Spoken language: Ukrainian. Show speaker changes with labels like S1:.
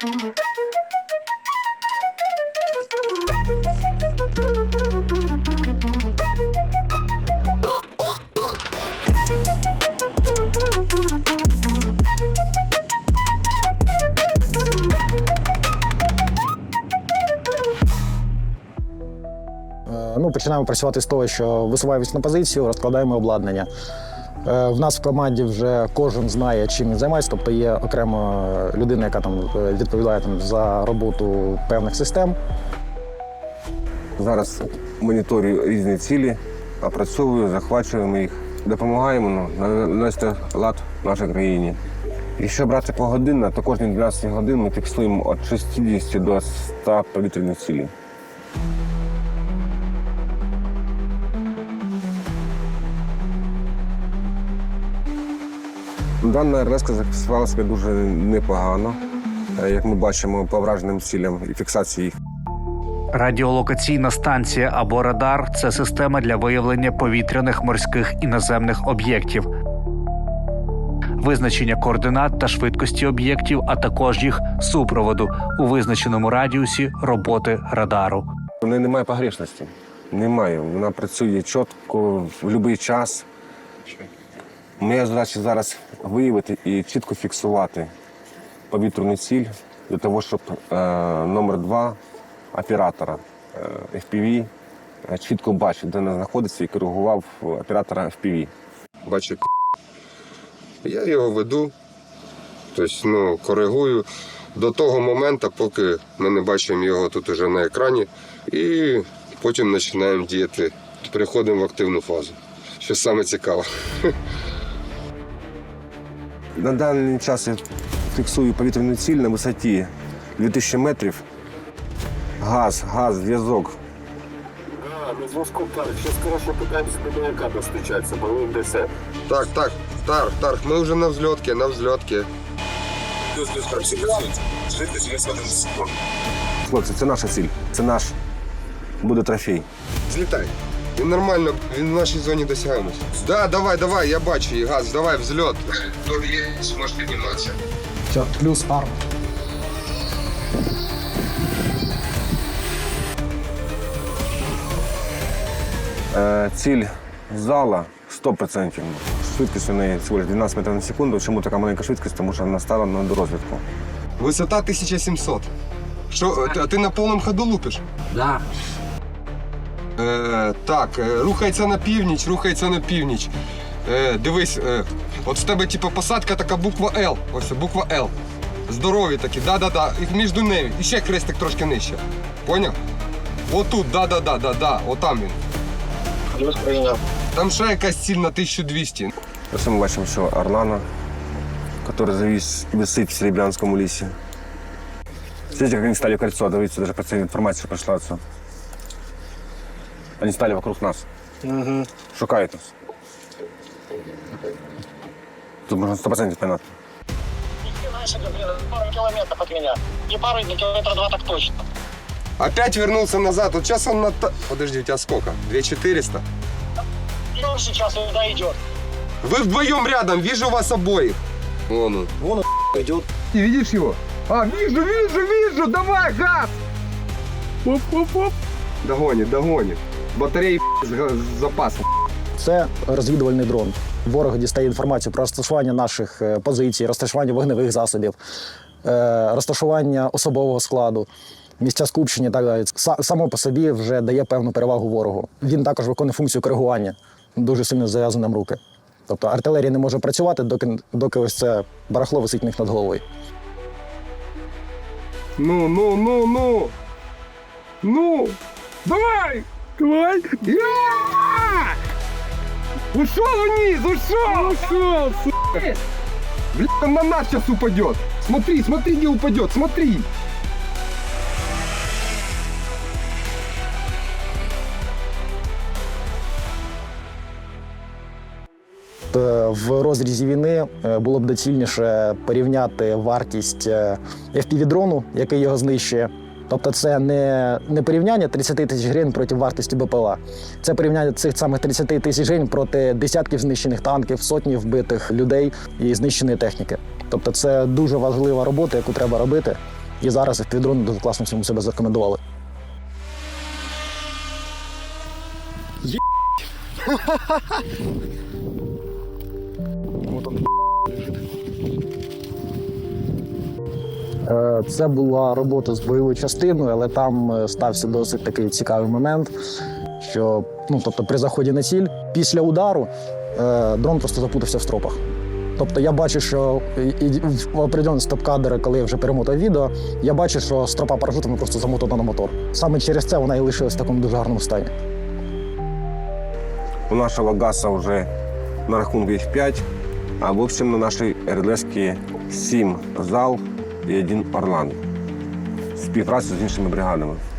S1: Починаємо працювати з того, що висуваємось на позицію, розкладаємо обладнання. В нас в команді вже кожен знає, чим він займається, тобто є окрема людина, яка відповідає за роботу певних систем.
S2: Зараз моніторю різні цілі, опрацьовую, захвачуємо їх, допомагаємо навести лад в нашій країні. Якщо брати погодинно, то кожні 12 годин ми фіксуємо від 60 до 100 повітряних цілей. Дана РЛС зафіксувала себе дуже непогано, як ми бачимо по враженим цілям і фіксації їх.
S3: Радіолокаційна станція або радар – це система для виявлення повітряних, морських і наземних об'єктів, визначення координат та швидкості об'єктів, а також їх супроводу у визначеному радіусі роботи радару.
S2: У неї немає погрешності. Немає. Вона працює чітко, в будь-який час. Моя задача зараз виявити і чітко фіксувати повітряну ціль для того, щоб номер 2 оператора FPV чітко бачив, де вона знаходиться, і коригував оператора FPV.
S4: Бачу, я його веду, тобто, коригую до того моменту, поки ми не бачимо його тут уже на екрані, і потім починаємо діяти, переходимо в активну фазу, що саме цікаве.
S2: На даний час я фіксую повітряну ціль на висоті 2000 метрів. Газ, зв'язок.
S5: На зв'язку так. Зараз, коротше, питаємося до маяка достучатися, бо він десь.
S4: Так, ми вже на взльотці.
S2: Хлопці, це наша ціль, це наш буде трофей.
S4: Злітай. Він нормально, він в нашій зоні досягаємось. Да, давай, я бачу її, газ, давай, взльот. Тут є, зможеш підніматися.
S1: Все, плюс арм.
S2: Ціль зала 100%. Швидкість у неї всього 12 метрів на секунду. Чому така маленька швидкість? Тому що вона стала на дорозвідку.
S4: Висота 1700. Що, а ти на повному ходу лупиш?
S1: Да.
S4: Так, рухається на північ. Дивись, от в тебе посадка така буква Л. Ось буква Л. Здорові такі, да. І між ними. І ще хрестик трошки нижче. Поняв? Отут, да. Отам він.
S5: Плюс прийняв.
S4: Там ще якась ціль на 1200.
S2: Ось ми бачимо, що Орлана, який висить в Серебрянському лісі. Смотрите, як вони стали в кольцо, дивіться, навіть про це інформація прийшла. Вони стали вокруг нас. Шукають нас. Тут можна 100% понять.
S5: Пару километров от меня. Не пару, не километра 2 так точно.
S4: Опять вернулся назад. Вот сейчас он на... Подожди, у тебя сколько? 2400?
S5: И он сейчас сюда идет.
S4: Вы вдвоем рядом, вижу вас обоих. Вон он
S1: идет.
S4: Ты видишь его? А, вижу, давай, газ! Оп. Догонит. Батареи с запасом.
S1: Це розвідувальний дрон. Ворог дістає інформацію про розташування наших позицій, розташування вогневих засобів, розташування особового складу, місця скупчення і так далі. Само по собі вже дає певну перевагу ворогу. Він також виконує функцію коригування, дуже сильно зав'язує нам руки. Тобто артилерія не може працювати, доки ось це барахло висить в них над головою.
S4: Ну! Давай! Ушел вниз! Ушел! Бля, он на нас сейчас упадет! Смотри, где упадет, смотри!
S1: В розрізі війни було б доцільніше порівняти вартість FPV-дрону, який його знищує. Тобто це не порівняння 30 тисяч гривень проти вартості БПЛА. Це порівняння цих самих 30 тисяч гривень проти десятків знищених танків, сотні вбитих людей і знищеної техніки. Тобто це дуже важлива робота, яку треба робити. І зараз FPV-дрони дуже класно всьому себе зарекомендували. Це була робота з бойовою частиною, але там стався досить такий цікавий момент, що тобто при заході на ціль, після удару дрон просто запутався в стропах. Тобто я бачу, що в определенні стоп-кадри, коли я вже перемотав відео, я бачу, що стропа парашутами просто замотана на мотор. Саме через це вона і лишилась в такому дуже гарному стані.
S2: У нашого ГАСа вже на рахунку їх 5, а в общем на нашій РЛС-ки 7 ЗАЛ і 1 Орлан. Співпрацю з іншими бригадами.